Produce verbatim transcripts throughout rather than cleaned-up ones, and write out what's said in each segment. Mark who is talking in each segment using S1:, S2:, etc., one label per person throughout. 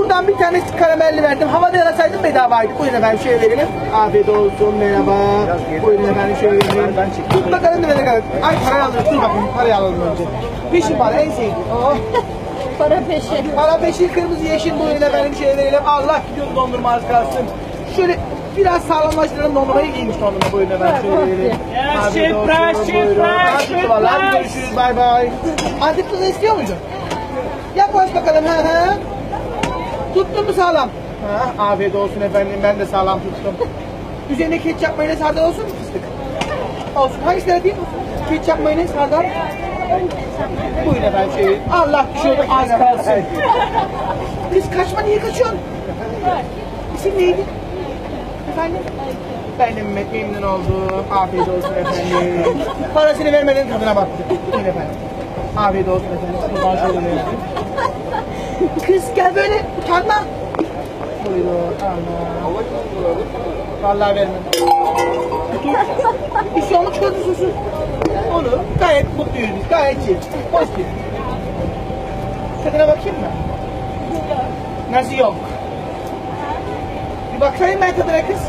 S1: Buradan bir tane karamelli verdim. Havada yarasaydım bedavaydı. Buyurun efendim şöyle verelim. Afiyet olsun, merhaba. Buyurun efendim şöyle verelim. Tut bakalım ne kadar. Ay parayı alalım, dur bakayım parayı alalım önce. Peşin para en sevdiğim. Oh.
S2: Para peşi.
S1: Para peşin, kırmızı yeşil, buyurun efendim şöyle verelim. Allah gidiyor dondurma az kalsın. Şöyle biraz sağlamlaştıralım, dondurmayı giymiş dondurma, buyurun efendim şöyle verelim. Afiyet olsun, buyurun. Afiyet olsun, görüşürüz, bay bay. Antep tuzu istiyor muydun? Yaklaş bakalım, ha ha. Tuttun mu sağlam? Ha, afiyet olsun efendim, ben de sağlam tuttum. Üzerine ketçap mayonez hardal olsun mu fıstık? Olsun, hangisini yapayım? Ketçap mayonez hardal. Buyurun efendim şey. Allah düşüyordu az kalsın. Kız kaçma, niye kaçıyorsun? İsim neydi? Efendim? Ben de Mehmet, memnun oldum. Afiyet olsun efendim. Parasını vermeden tadına baktı. Buyurun efendim. Afiyet olsun efendim. Şuradan şöyle verelim. Kız gel böyle, utanma. Buyurun. Allah. Vallahi vermem. Dur. Bir şey olmuş gözü susu. Onu gayet mutluyuz biz. Gayet iyi. Pozitif. Tadına bakayım mı? Nasıl yok? Bir bakayım ben tadına kız.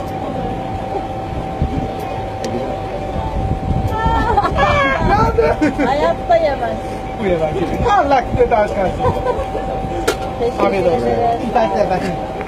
S1: Ne oldu?
S2: Hayatta yemez.
S1: Bu yemez. Allah gidiyor daha az kalsın.
S2: Teşekkür
S1: Afiyet olsun.
S2: ederim.
S1: İnternette efendim.